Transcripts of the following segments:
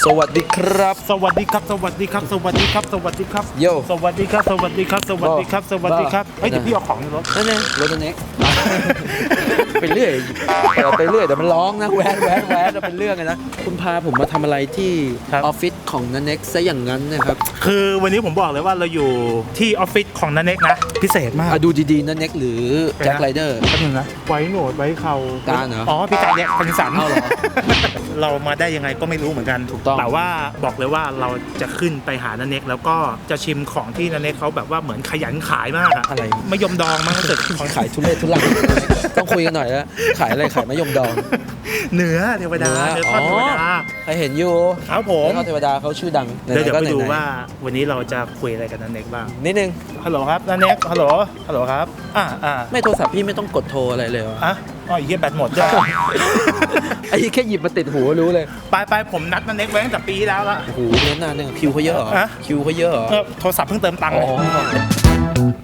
สวัสดีครับสวัสดีครับสวัสดีครับสวัสดีครับสวัสดีครับโยสวัสดีครับสวัสดีครับสวัสดีครับสวัสดีครับเฮ้ยเดี๋ยวพี่เอาของในรถนั่นเองรถเน็กไปเรื่อยไปเรื่อยเดี๋ยวมันร้องนะแวะเป็นเรื่องเลยนะคุณพาผมมาทำอะไรที่ออฟฟิศของนันเน็กซะอย่างนั้นนะครับคือวันนี้ผมบอกเลยว่าเราอยู่ที่ออฟฟิศของนันเน็กนะพิเศษมากดูดีๆนันเน็กหรือแจ็คไรเดอร์แป๊บนึงนะไว้หนวดไว้เขาการเหรออ๋อพี่การเนี่ยพันสันเอาเหรอเรามาได้ยังไงก็ไม่รู้เหมือนกันถูกต้องแต่ว่าบอกเลยว่าเราจะขึ้นไปหานันเน็กแล้วก็จะชิมของที่นันเน็กเขาแบบว่าเหมือนขยันขายมากอะอะไรมะยมดองมากที่สุดของขายทุเรศทุลังต้องคุยกันหน่อยแล้วขายอะไรขายมะยมดองเนื้อเทวดาเนื้อทอดเทวดาใครเห็นอยู่ครับผมเนื้อทอดเทวดาเขาชื่อดังเดี๋ยวไปดูหนๆว่าวันนี้เราจะคุยอะไรกับนันเน็กบ้างนิดนึงฮัลโหลครับนันเน็กฮัลโหลครับอ่าไม่โทรศัพท์พี่ไม่ต้องกดโทรอะไรเลยเหรออ๋อเฮียแบตหมดด้วยไอ้แค่หยิบมาติดหูรู้เลยไปผมนัดนันเน็กไว้ตั้งแต่ปีที่แล้วละโอ้โหเล่นนานเนี่ยคิวเขาเยอะเหรอฮะคิวเขาเยอะเหรอโทรศัพท์เพิ่งเติมตังค์อ๋เลยอ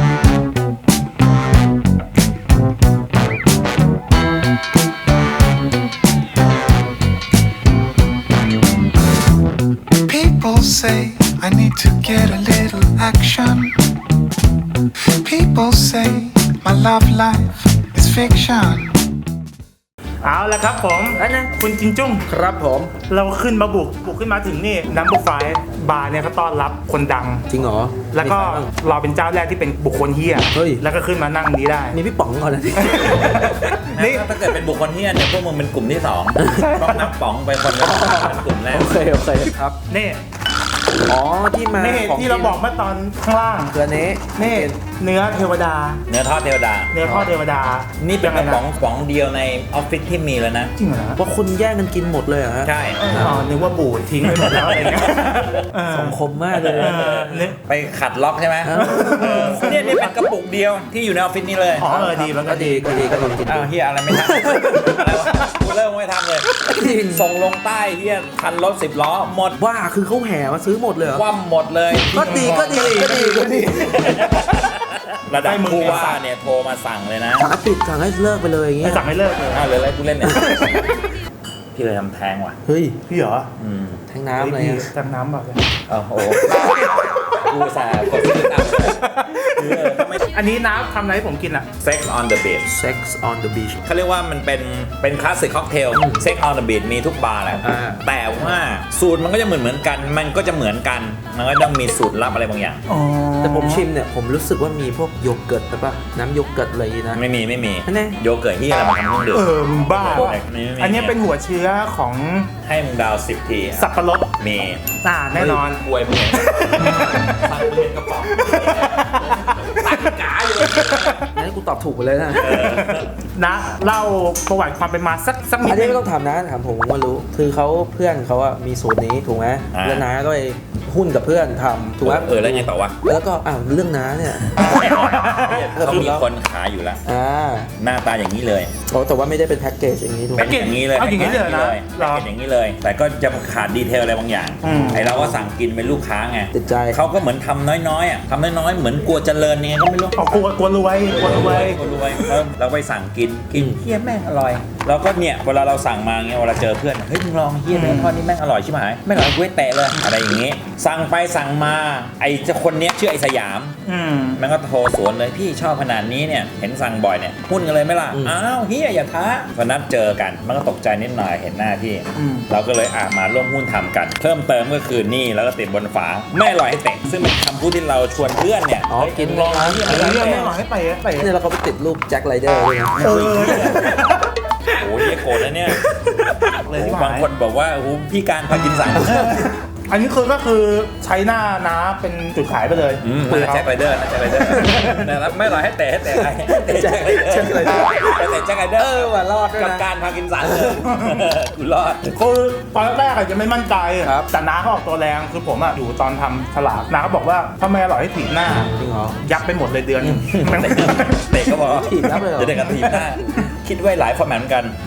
People say I need to get a little action. People say my love life is fiction. เอาละครับผมอันนั้นคุณจินจุ้งครับผมเราขึ้นมาบุกขึ้นมาถึงนี่นัมเบอร์ไฟบาร์เนี่ยเขาต้อนรับคนดังจริงเหรอแล้วก็มีใครบ้างเราเป็นเจ้าแรกที่เป็นบุคคลเฮียเฮ้ยแล้วก็ขึ้นมานั่งนี้ได้มีพี่ป๋องก่อนนะนี่ถ้าเกิดเป็นบุคคลที่เนี่ยพวกมึงเป็นกลุ่มที่สองต้องนับป๋องไปคนละเป็นกลุ่มแรกโอเคครับนี่อ๋อที่มานี่ของที่เราบอกเมื่อตอนข้างล่างเกลือเนี้นี่เนื้อเทวดาเนื้อทอดเทวดาเนื้อทอดเทวดานี่เป็นกระป๋องยังไงป๋องเดียวในออฟฟิศที่มีแล้วนะจริงเหรอว่าคุณแย่งกันกินหมดเลยเหรอฮะใช่อ๋อนึกว่าบูดทิ้งไปหมดแล้วอะไรเงี้ยสังคมมากเลยเนี่ยไปขัดล็อกใช่ไหมอ้าวเนี่ยนี่เป็นกระปุกเดียวที่อยู่ในออฟฟิศนี้เลยอ๋อดีมันก็ก็ดีดีก็ลองกินอ้าวเฮียอะไรไม่ทำอะไรวะกูเริ่มไม่ทำเลย ส่งลงใต้เฮียคันรถ10 ล้อหมดว่าคือเขาแห่มาซื้อหมดเลยเหรอคว่ำหมดเลยก็ดีระดับผู้ว่าเนี่ยโทรมาสั่งเลยนะสั่งให้เลิกไปเลยอย่างเงี้ไม่ยสั่งให้เลิกเลยอ้าวเลยอะไรกูเล่นเนี่ยพี่เลยทำแทงว่ะเฮ้ยพี่เหรอแทงน้ำอะไรพี่อ่ะแทงน้ำแบบโอ้โหกูสาห์กดซื้อตามเลยอันนี้น้ำทำอะไรให้ผมกินอ่ะ Sex on the beach Sex on the beach เขาเรียกว่ามันเป็นคลาสสิกค็อกเทล Sex on the beach มีทุกบาร์แหละอ่าแต่ว่าสูตรมันก็จะเหมือนกัน มันก็จะเหมือนกัน มันก็ต้องมีสูตรลับอะไรบางอย่างอ๋อแต่ผมชิมเนี่ยผมรู้สึกว่ามีพวกโยเกิร์ตใช่ปะน้ำโยเกิร์ตอะไรอย่างงี้นะไม่มีอันไหนโยเกิร์ตที่อะไรมาทำเครื่องดื่มมึงบ้าไม่มีอันนี้เป็นหัวเชื้อของให้มึงดาว10 ทีสับปะรดมีแน่นอนอวยมึงเห็นสั่งมึงเห็นกระป๋องสั่งกาอยู่งั้นกูตอบถูกไปเลยนะนะเล่าประวัติความเป็นมาสักนิอัดนนี้นึงไม่ต้องถามนะถามผมก็รู้ คือเขาเพื่อนเขาอะมีสูตรนี้ถูกไหมแล้วน้าก็ไปหุ้นกับเพื่อนทำถูกไหมแล้วไงต่อวะแล้วก็เรื่องน้าเนี่ยเขามีคนขายอยู่แล้ว หน้าตาอย่างนี้เลยแต่ว่าไม่ได้เป็นแพ็กเกจอย่างนี้ถูกไหเป็มนอย่างนี้เลยเอาอย่างนี้เลยนะเป็นอย่างนี้เลย แต่ก็จะขาดดีเทลอะไรบางอย่าง ไอเราก็สั่งกินเป็นลูกค้าไงติดใจเขาก็เหมือนทำน้อยๆอ่ะทำน้อยๆเหมือนกลัวเจริญเนี่ยก็ไม่รู้กลัวรวยกลัวรวยกลัวรวยเราไปสั่งกินเฮียแม่งอร่อยเราก็เนี่ยเวลาเราสั่งมาเงี้ยเวลาเจอเพื่อนเฮ้ยมึงลองเฮียเนื้อทอดนี่แม่งอร่อยใช่ไหมไม่อร่อยกูให้แตะเลยอะไรอย่างงี้ สั่งไปสั่งมาไอ้เจ้าคนเนี้ยชื่อไอ้สยาม มันก็โทรสวนเลยพี่ชอบขนาดนี้เนี่ยเห็นสั่งบ่อยเนี่ยหุ้นกันเลยไหมล่ะอ้าวเฮียอย่าท้าวันนัดเจอกันมันก็ตกใจนิดหน่อยเห็นหน้าพี่เราก็เลยมาร่วมหุ้นทำกัน เพิ่มเติมก็คือนี่แล้วก็ติดบนฝาไม่อร่อยให้เตะซึ่งเป็นคำพูดที่เราชวนเพื่อนเนี่ยอ๋อกินลองเฮียเรื่องไม่หรอกให้ไปเนี่ยเราก็ไปติดรูปแจ็คไรเดอร์ด้วยนะโอ้ยโกรธนะเนี่ยเลยที่บางคนบอกว่าโอ้โหพี่การพากินสันอันนี้ก็คือใช้หน้าน้าเป็นจุดขายไปเลยคุยกับแจ็คไรเดอร์นะแจ็คไรเดอร์นะครับไม่อร่อยให้เตะใครเตะแจ็คไรเดอร์แต่แจ็คไรเดอร์ว่ารอดด้วยกับนะการพากินสันเลยกูรอดคือตอนแรกอาจจะไม่มั่นใจครับแต่น้าเขาออกตัวแรงคือผมอยู่ตอนทำฉลากน้าเขาบอกว่าถ้าไม่อร่อยให้ถีบหน้าจริงเหรอยับไปหมดเลยเดือนเตะก็บอกถีบยับเลยเหรอจะได้กับถีบหน้าคิดไว้หลายฟอร์แมตเหมือนกัน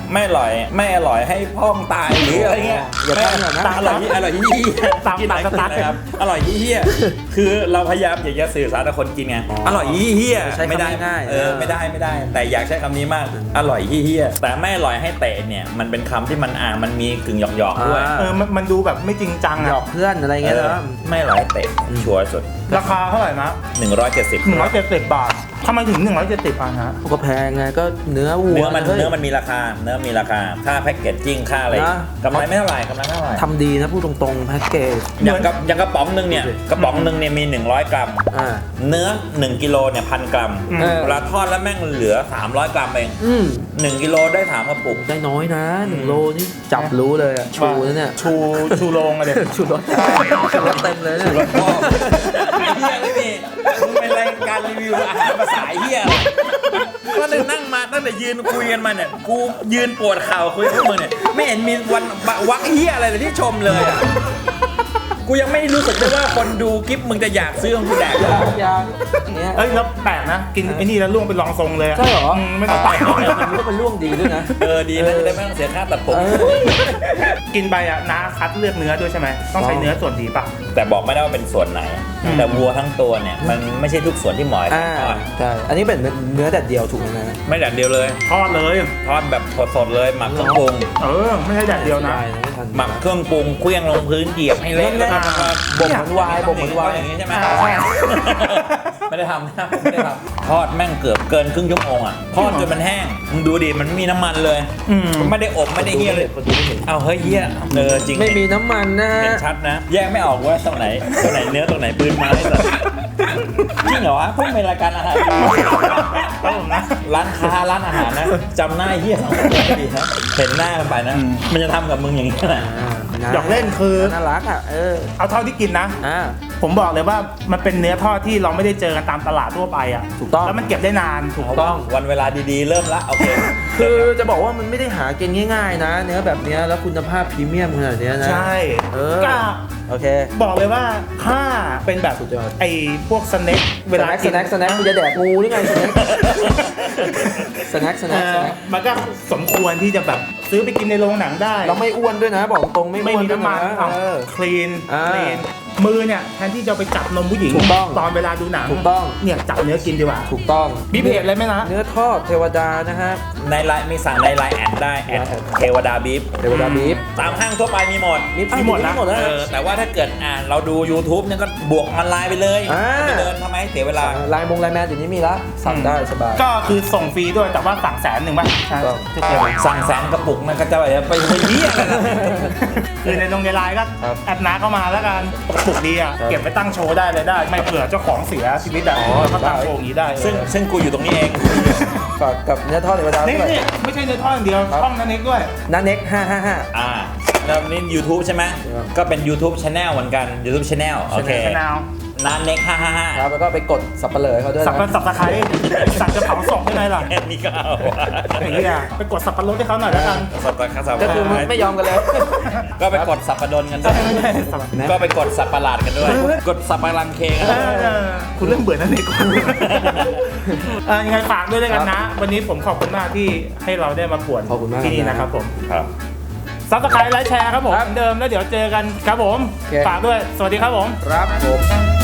ไม่อร่อยให้พ่องตายหรืออะไรเงี้ยอย่าไม่ทำอย่างนั้นอร่อยยี่ตามกินไหนสไตล์นะครับอร่อยยี่คือเราพยายามอยากจะสื่อสารกับคนกินไงอร่อยยี่ใช้คำไม่ได้ง่ายๆไม่ได้ แต่อยากใช้คำนี้มากอร่อยยี่แต่ไม่อร่อยให้เตะเนี่ยมันเป็นคำที่มันมีกึ่งหยอกๆด้วยมันดูแบบไม่จริงจังหยอะอกเพื่อนอะไรเงี้ยนะไม่อร่อยให้เตะชัวร์สุดราคาเท่าไหร่นะ 170 170 บาททำไมถึง 170 บาทฮะก็แพงไงก็เนื้อวัวเนื้อมันฮ้ยมีราคาค่าแพ็กเกจจิ้งค่าอะไรนะกำไรไม่เท่าไหร่ทำดีนะพูดตรงๆแพ็กเกจอย่างกระป๋องหนึงเนี่ยมี100 กรัมอ่าเนื้อ1กิโลเนี่ย1,000 กรัมอืมเวลาทอดแล้วแม่งเหลือ300 กรัมเอง 1กิโลได้3กระปุกได้น้อยนะ1 โลนี่จับรู้เลยอะชูนะเนี่ยชูโรงอะเด็กชูรสชูรสเต็มเลยเนี่ยพ่อไอ้เหี้ยไม่มีมึงเป็นรายการรีวิวอาหารภาษาไอ้เหี้ยอะไรก็เลยนั่งมาตั้งแต่ยืนคุยกันมาเนี่ยกูยืนปวดเข่าคุยกับมึงเนี่ยไม่เห็นมีวันวักเหี้ยอะไรเลยที่ชมเลยอะกูยังไม่รู้สึกเลยว่าคนดูคลิปมึงจะอยากซื้อของกูแดกยางเนี่ยเอ้ยแล้วแปลกนะ กินไอ้นี่แล้วล่วงเป็นรองทรงเลยะใช่เหรอไม่ต้องไปมันก็เป็นร่วงดีด้วยนะดีนะจะได้ไม่ต้องเสียค่าตัดผมกินไปอ่ะน้าคัดเลือกเนื้อด้วยใช่ไหมต้องใช้เนื้อส่วนดีป่ะแต่บอกไม่ได้ว่าเป็นส่วนไหน แต่วัวทั้งตัวเนี่ยมันไม่ใช่ทุกส่วนที่หมอให้อ่าทอดใช่อันนี้เป็นเนื้อแดดเดียวถูกไหมนะไม่แดดเดียวเลยทอดเลยทอดแบบสดๆเลยหมักเครื่องปรุงไม่ใช่แดดเดียวนะได้ไม่ทันหมักเครื่องปรุงเครื่องลงพื้นเหยียบให้เละแล้วก็มาบ่มเหมือนวายบ่มเหมือนวายอย่างนี้ใช่ไหมใช่ไม่ได้ทำนะไม่ได้ทำทอดแม่งเกือบเกินครึ่งชั่วโมงอ่ะทอดจนมันแห้งมึงดูดิมันไม่มีน้ำมันเลยอืมไม่ได้อบไม่ได้เฮียเลยคนดูไม่เห็นเอาเฮ้ยเฮียจริงไม่มีน้ำมันนะเห็นชัดนะ แยกไม่ออกว่าตรงไหนเนื้อตรงไหนปืนมาให้สัตว์จริงเหรอวะเพิ่งเป็นรายการอาหารครับผมนะร้านค้าร้านอาหารนะจำหน้าไอ้เฮียสองคนได้ดีนะเห็นหน้ากันไปนะ มันจะทำกับมึงอย่างนี้นะอยากเล่นคือน่ารักอ่ะเอาเท่าที่กินนะอ่าผมบอกเลยว่ามันเป็นเนื้อทอดที่เราไม่ได้เจอกันตามตลาดทั่วไปอ่ะถูกต้องแล้วมันเก็บได้นานถูกต้องวันเวลาดีๆ เริ่มละโอเคคือจะบอกว่ามันไม่ได้หากินง่าย ๆ นะ เนื้อแบบเนี้ยแล้วคุณภาพพรีเมียมขนาดเนี้ยนะใช่ก็โอเคบอกเลยว่าถ้าเป็นแบบสุดยอดไอ้พวกสแน็คเวลาสแน็คคุณจะแดกงูหรือไงสแน็คมันก็สมควรที่จะแบบซื้อไปกินในโรงหนังได้เราไม่อ้วนด้วยนะ บอกตรงไม่ไม่อ้วนมีด้วยน้ำมันนะคลีนอ่ามือเนี่ยแทนที่จะไปจับนมผู้หญิงถูกต้องตอนเวลาดูหนังถูกต้องเนี่ยจับเนื้อกินดีกว่าถูกต้องมีเพจอะไรไหมนะเนื้อทอดเทวดานะฮะในไลน์มีสั่งในไลน์แอดได้แอดเทวดาบีฟเทวดาบีฟตามห้างทั่วไปมีหมดมีหมดนะหมดแล้วแต่ว่าถ้าเกิดเราดู YouTube เนี่ยก็บวกออนไลน์ไปเลยอ่าไปเดินทำไมเสียเวลาลายมงลายแมนเดี๋ยวนี้มีละสั่งได้สบายก็คือส่งฟรีด้วยแต่ว่าสั่ง100,000ป่ะใช่ถูกต้องที่เกี่ยวสั่งแสนกระปุกมันก็จะไปเยี่ยอะไรล่ะคือในไลน์ก็ครับแอดน้าเข้ามาแล้วกันปลุกดีอ่ะครับเก็บไปตั้งโชว์ได้เลยได้ ไม่เผื่อเจ้าของเสียชีวิตอ่ะเขาตั้งโชว์อย่างนี้ได้ซึ่งกูอยู่ตรงนี้เองฝากกับเนื้อทอดเทวดานี่ด้วยนี่ไม่ใช่เนื้อทอดอย่างเดียวครับช่องนั้นเองด้วยนันเน็ก555 แล้วนี่ YouTube ใช่ไหมครับก็เป็น YouTube Channel เหมือนกัน YouTube Channel โอเคชแนลนานเน็กค 555 รับแล้วก็ไปกดสับปะเหร่อให้เขาด้วยสับนะสับตะไคร้สับจะเผาศพได้ไงล่ะแค่นี้ก็เอาอย่างนี้อ่ะไปกดสับปะรดให้เขาหน่อยแล้วกันสับปะรดสับก็คือปะรดไม่ยอมกันเลยก็ไปกดสับปะดนกันด้วยไม่ใช่สับก็ไปกดสับประหลาดกันด้วย กดสับปะรังเคกันด้วยคุณเริ่มเบื่อนั่นเองคุณยังไงฝากด้วยกันนะ วันนี้ผมขอบคุณมากที่ให้เราได้มาป่วนขอบคุณมากที่นี่นะครับผมครับซับสไครต์ไลค์แชร์ครับผมเหมือนเดิมแล้วเดี๋ยวเจอกันครับผมโอเคฝากด้วยสวัสดีครับผมครับผม